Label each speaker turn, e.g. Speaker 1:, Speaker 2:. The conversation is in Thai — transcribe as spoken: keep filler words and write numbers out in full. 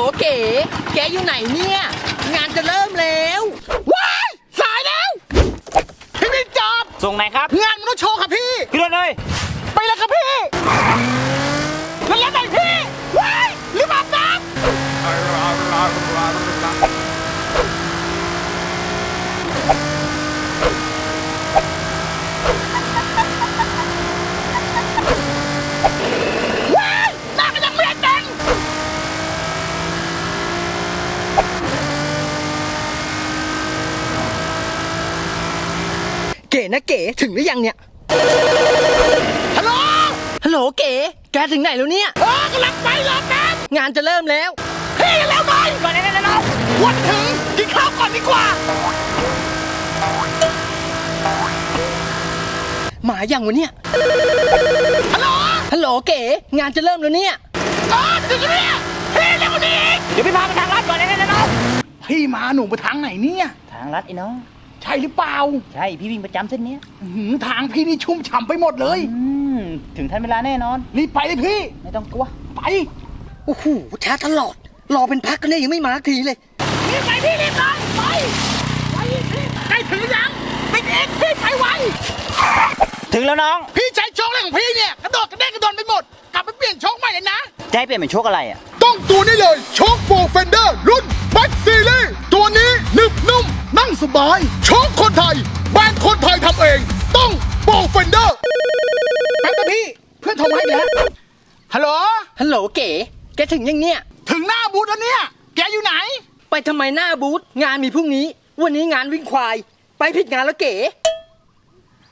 Speaker 1: เก๋แกอยู่ไหนเนี่ยงานจะเริ่มแล้วว้ายสายแล้วพี่พี่จอบ
Speaker 2: ส่งไหนครับ
Speaker 1: งานมนุษย์โชว์ครับพี่
Speaker 2: ขึ้นรถเลย
Speaker 1: ไปเลยครับพี่แล้วแล้วไหนพี่ว้ายรีบอาบน้ำเก๋นะเก๋ถึงหรือยังเนี่ยฮัลโหลฮัลโหลเก๋แกถึงไหนแล้วเนี่ยเออกำลังไปรอแป๊บงานจะเริ่มแล้วพี่แล้วหน่อยก่อนได้แล้ววันถึงกินข้าวก่อนดีกว่าหมาอย่างวะเนี่ยฮัลโหลฮัลโหลเก๋งานจะเริ่มแล้วเนี่ยอ๋อถึงแล้วเนี่ยพี่เร็วกว่านี้
Speaker 2: เดี๋ยวพี่พาไปทางลัดก่อนได้แล้ว
Speaker 1: พี่มาหนูไปทางไหนเนี่ย
Speaker 2: ทางลัดไอ้น้อง
Speaker 1: ใช่หรือเปล่า
Speaker 2: ใช่พี่วิ่งประจำเส้นนี้
Speaker 1: ทางพี่นี่ชุ่มฉ่ำไปหมดเลย
Speaker 2: ถึงทันเวลาแน่นอน
Speaker 1: รีบไปเลยพี่
Speaker 2: ไม่ต้องกลัว
Speaker 1: ไปโอ้โหช้าตลอดรอเป็นพักกันเลยยังไม่มาทีเลยรีบไปพี่รีบเลยไปไปพี่ใกล้ถึงยังไม่เอกพี่ไปไว
Speaker 2: ถึงแล้วน้อง
Speaker 1: พี่ใช้โชคอะไรของพี่เนี่ยกระโดดกระเด้งกระโดดไปหมดกลับไปเปลี่ยนโชคใหม่เลยนะ
Speaker 2: จะให้เปลี่ยนเป็นโชคอะไรอ่ะ
Speaker 1: ต้องตัวนี้เลยโชคโปรเฟนเดอร์รุ่นแบ็คซีรีส์ตัวนี้หนึบนุ่มนั่งสบายโชคคนไทยแบรนด์คนไทยทำเองต้องโปรเฟนเดอร์แป๊บนะพี่เพื่อนโทรมาให้แล้วฮัลโหลฮัลโหลเก๋แกถึงยังเนี่ยถึงหน้าบูธแล้วเนี่ยแกอยู่ไหนไปทำไมหน้าบูธงานมีพรุ่งนี้วันนี้งานวิ่งควายไปผิดงานแล้วเก๋